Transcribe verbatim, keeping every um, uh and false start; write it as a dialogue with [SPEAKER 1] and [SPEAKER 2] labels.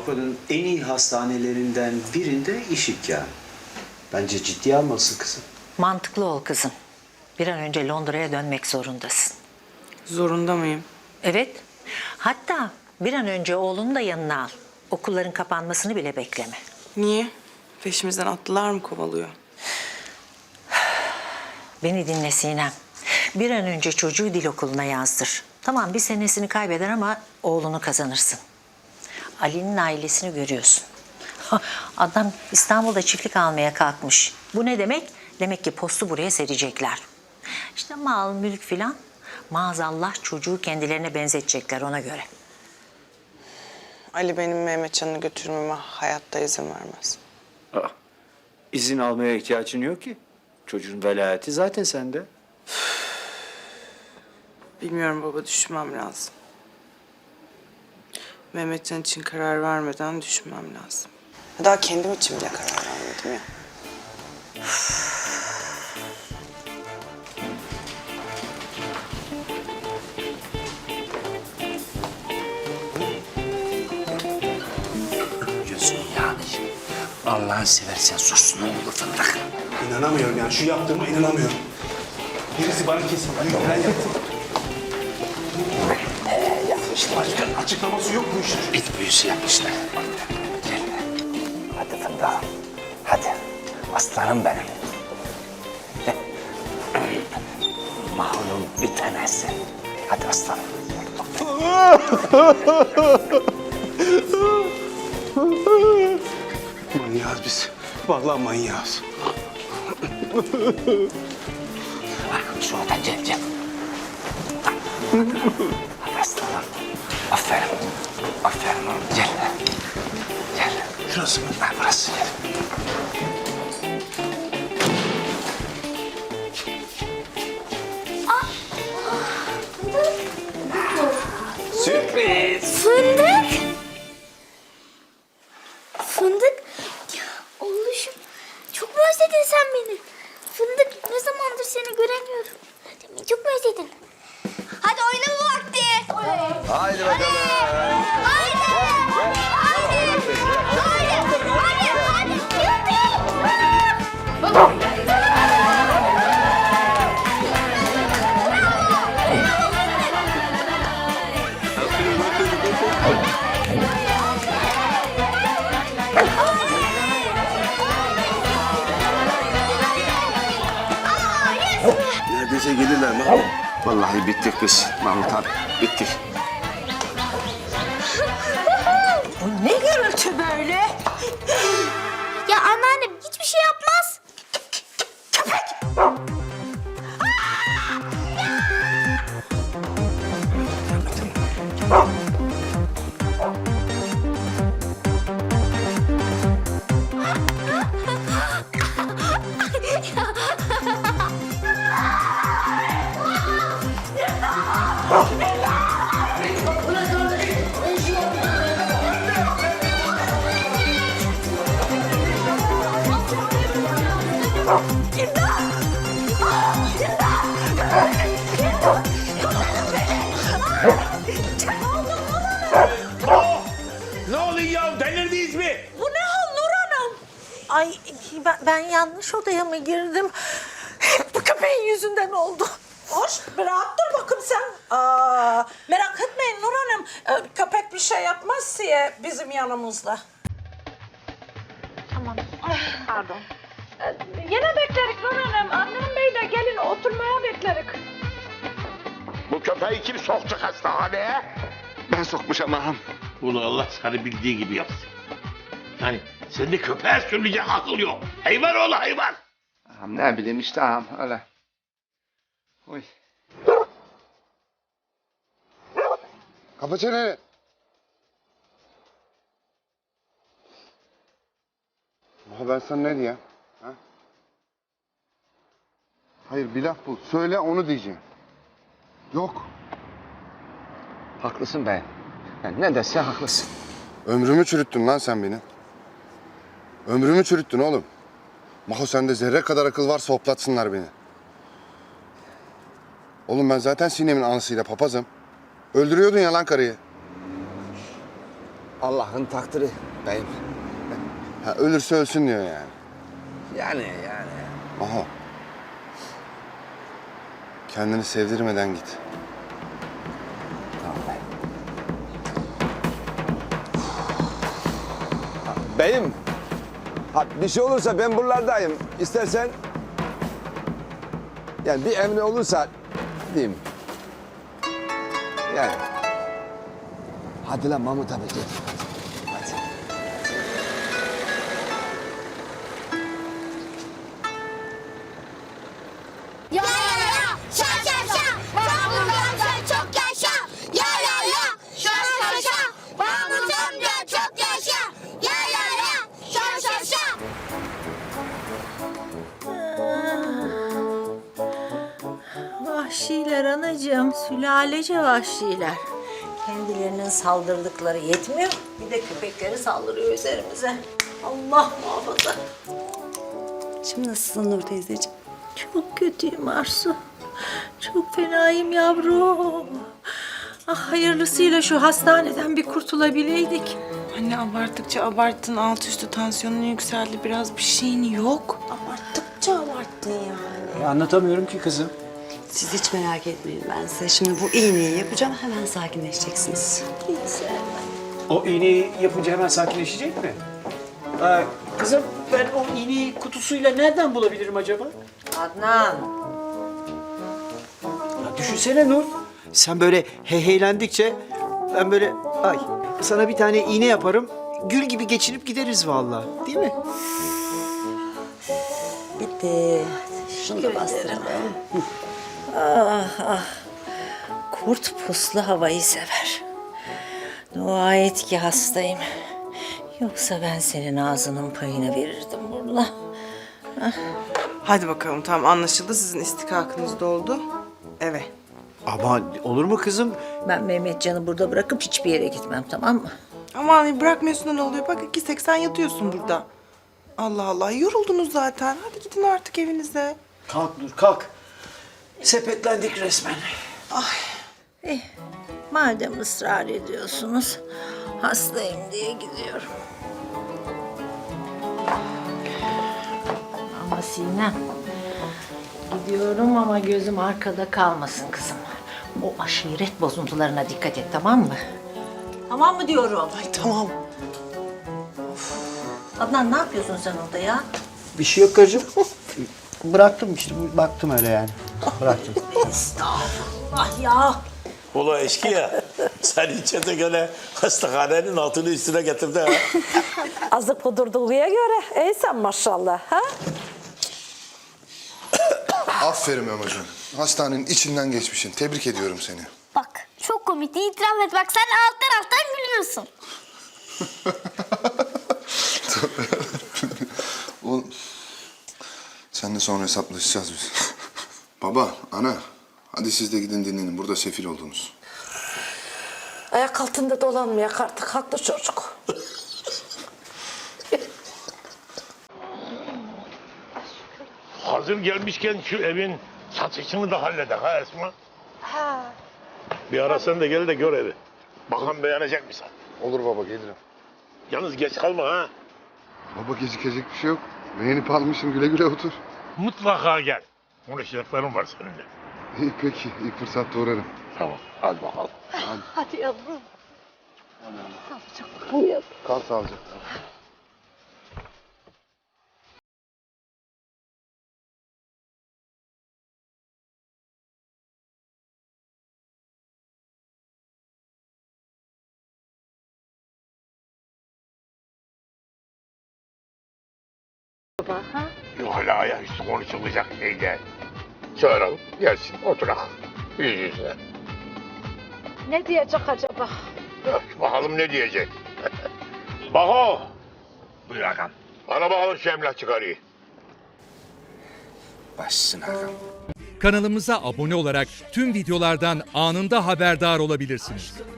[SPEAKER 1] Avrupa'nın en iyi hastanelerinden birinde iş imkanı. Bence ciddiye almalısın kızım.
[SPEAKER 2] Mantıklı ol kızım. Bir an önce Londra'ya dönmek zorundasın.
[SPEAKER 3] Zorunda mıyım?
[SPEAKER 2] Evet. Hatta bir an önce oğlunu da yanına al. Okulların kapanmasını bile bekleme.
[SPEAKER 3] Niye? Peşimizden atlılar mı kovalıyor?
[SPEAKER 2] Beni dinle Sinem. Bir an önce çocuğu dil okuluna yazdır. Tamam bir senesini kaybeder ama oğlunu kazanırsın. Ali'nin ailesini görüyorsun. Adam İstanbul'da çiftlik almaya kalkmış. Bu ne demek? Demek ki postu buraya serecekler. İşte mal, mülk filan. Maazallah çocuğu kendilerine benzetecekler ona göre.
[SPEAKER 3] Ali benim Mehmetcan'ı götürmeme hayatta izin vermez.
[SPEAKER 1] Aa, izin almaya ihtiyacın yok ki. Çocuğun velayeti zaten sende.
[SPEAKER 3] Bilmiyorum baba, düşünmem lazım. Mehmetcan için karar vermeden düşünmem lazım. Daha kendim için bile karar vermedim ya.
[SPEAKER 4] Gözün yani. Allah'ını seversen sus ne olur fındık.
[SPEAKER 5] İnanamıyorum yani şu yaptığıma inanamıyorum. Birisi bana kesin büyük plan yaptı.
[SPEAKER 4] Ee, yapmışlar.
[SPEAKER 5] Açıklaması yok bu işin.
[SPEAKER 4] İt büyüsü yapmışlar. Gel. Hadi fındığım. Hadi. Aslanım benim. Mahrum bitemezsin. Hadi aslanım.
[SPEAKER 5] Manyağız biz. Vallahi manyağız.
[SPEAKER 4] Şuradan gel gel. Hadi aslanım. Aferin. Aferin oğlum. Gel. Gel.
[SPEAKER 5] Şurası mı?
[SPEAKER 4] Ha, burası gel.
[SPEAKER 5] Sürpriz.
[SPEAKER 6] Fındık. Fındık. Ya oğluşum. Çok mu özledin sen beni? Fındık ne zamandır seni göremiyorum. Demin çok mu özledin? Hadi oynama vakti.
[SPEAKER 7] Haydi bakalım.
[SPEAKER 6] Haydi. Haydi. Haydi. Haydi. Hadi. Hadi.
[SPEAKER 7] Neredeyse gelirler Mahmut. Vallahi bittik biz Mahmut abi. Bittik.
[SPEAKER 2] Bu ne gürültü böyle?
[SPEAKER 6] Ya anneannem hiçbir şey yapmaz.
[SPEAKER 5] Ne oluyor ya? Delirdiniz mi?
[SPEAKER 2] Bu ne hal Nur Hanım? Ay ben, ben yanlış odaya mı girdim? Hep bu köpeğin yüzünden oldu.
[SPEAKER 8] Hoş, bir rahat dur bakayım sen. Aa, merak etmeyin Nur Hanım. Ee, köpek bir şey yapmaz diye bizim yanımızda.
[SPEAKER 6] Tamam. Pardon.
[SPEAKER 8] Yine beklerik Nur Hanım. Annem Bey de gelin oturmaya beklerik.
[SPEAKER 7] Bu köpeği kim soktu hastaneye? Ben sokmuşum ağam.
[SPEAKER 9] Bunu Allah sana bildiği gibi yapsın. Yani sende köpeğe sürülecek akıl yok. Hayvan oğlu hayvan.
[SPEAKER 7] Ağam ne bileyim işte ağam öyle. Oy. Kapa çeneni. Ama ben sana ne diyeyim? Ha? Hayır bir laf bul. Söyle onu diyeceğim. Yok.
[SPEAKER 4] Haklısın bey. Yani ne dese haklısın.
[SPEAKER 7] Ömrümü çürüttün lan sen benim. Ömrümü çürüttün oğlum. Maho sende zerre kadar akıl varsa hoplatsınlar beni. Oğlum ben zaten Sinem'in anasıyla papazım. Öldürüyordun ya lan karıyı.
[SPEAKER 4] Allah'ın takdiri beyim.
[SPEAKER 7] Ha, ölürse ölsün diyor yani.
[SPEAKER 4] Yani yani.
[SPEAKER 7] Maho. Kendini sevdirmeden git.
[SPEAKER 4] Tamam beyim. Ha, beyim. Ha, bir şey olursa ben buralardayım. İstersen... Yani bir emri olursa diyeyim. Yani. Hadi lan Mahmut abi gel. Hadi.
[SPEAKER 6] Ya ya ya, şa şa şa, Mahmut amca çok yaşa. Ya ya ya, şa şa şa, Mahmut amca çok yaşa. Ya ya ya, şa şa şa.
[SPEAKER 2] Vahşiler anacığım, sülalece vahşiler. Kendilerinin saldırdıkları yetmiyor, bir de köpekleri saldırıyor üzerimize. Allah muhafaza.
[SPEAKER 3] Şimdi nasılsın Nur teyzeciğim?
[SPEAKER 2] Çok kötüyüm Arzu. Çok fenayım yavrum. Ah, hayırlısıyla şu hastaneden bir kurtulabileydik.
[SPEAKER 3] Anne abarttıkça abarttın. Alt üstü tansiyonun yükseldi. Biraz bir şeyin yok.
[SPEAKER 10] Abarttıkça abarttın yani.
[SPEAKER 1] E, anlatamıyorum ki kızım.
[SPEAKER 10] Siz hiç merak etmeyin, ben size şimdi bu iğneyi yapacağım, hemen sakinleşeceksiniz.
[SPEAKER 1] O iğneyi yapınca hemen sakinleşecek mi? Ee, kızım ben o iğneyi kutusuyla nereden bulabilirim acaba?
[SPEAKER 2] Adnan.
[SPEAKER 1] Ya düşünsene Nur. Sen böyle heheylendikçe ben böyle ay sana bir tane iğne yaparım. Gül gibi geçinip gideriz vallahi. Değil mi?
[SPEAKER 10] Bitti. Şunu da bastıralım.
[SPEAKER 2] Ah ah. Kurt puslu havayı sever. Dua et ki hastayım. Yoksa ben senin ağzının payını verirdim burada.
[SPEAKER 3] Hadi bakalım tamam anlaşıldı. Sizin istikakınız doldu. Eve.
[SPEAKER 1] Ama olur mu kızım?
[SPEAKER 2] Ben Mehmetcan'ı burada bırakıp hiçbir yere gitmem, tamam mı?
[SPEAKER 3] Aman bırakmıyorsun da ne oluyor? Bak iki seksen yatıyorsun burada. Allah Allah yoruldunuz zaten. Hadi gidin artık evinize.
[SPEAKER 1] Kalk Nur kalk. Sepetlendik resmen.
[SPEAKER 2] Eh, madem ısrar ediyorsunuz, hastayım diye gidiyorum. Ama Sinem, gidiyorum ama gözüm arkada kalmasın kızım. O aşiret bozuntularına dikkat et, tamam mı? Tamam mı diyorum?
[SPEAKER 3] Ay tamam.
[SPEAKER 2] Adnan ne yapıyorsun sen orada ya?
[SPEAKER 1] Bir şey yok karıcığım. Bıraktım işte baktım öyle yani. Bıraktım.
[SPEAKER 2] Estağfurullah ya.
[SPEAKER 9] Ula eşkıya. Sen içete göre hastahanenin altını üstüne getirdi ha.
[SPEAKER 8] Azık kudurduğuya göre ey sen maşallah ha?
[SPEAKER 7] Aferin Memo'cum. Hastanenin içinden geçmişsin. Tebrik ediyorum seni.
[SPEAKER 6] Bak çok komikti, itiraf et. Bak sen alt taraftan gülüyorsun.
[SPEAKER 7] Oğlum, seninle sonra hesaplaşacağız biz. Baba, ana. Hadi siz de gidin dinlenin. Burada sefil oldunuz.
[SPEAKER 8] Ayak altında dolanmayak artık, haklı çocuk.
[SPEAKER 9] Hazır gelmişken şu evin satışını da halledek ha Esma. Ha. Bir ara sen de gel de gör evi. Bakalım beğenecek misin?
[SPEAKER 7] Olur baba, gelirim.
[SPEAKER 9] Yalnız geç kalma ha.
[SPEAKER 7] Baba gecikecek bir şey yok. Beğenip almışım, güle güle otur.
[SPEAKER 9] Mutlaka gel. Konuşacaklarım var seninle.
[SPEAKER 7] İyi peki, ilk fırsatta uğrarım.
[SPEAKER 9] Tamam, hadi bakalım.
[SPEAKER 8] Hadi yavrum.
[SPEAKER 7] Kal sağlıcakla.
[SPEAKER 9] Yok hala ayaküstü konuşulacak şey değil. Çağıralım, gelsin, oturak. Yüz yüze.
[SPEAKER 8] Ne diyecek acaba?
[SPEAKER 9] Yok, bakalım ne diyecek. Baho! Buyur Hakan. Bana bakalım şu emlak çıkarıyı.
[SPEAKER 4] Başsın Hakan.
[SPEAKER 11] Kanalımıza abone olarak tüm videolardan anında haberdar olabilirsiniz.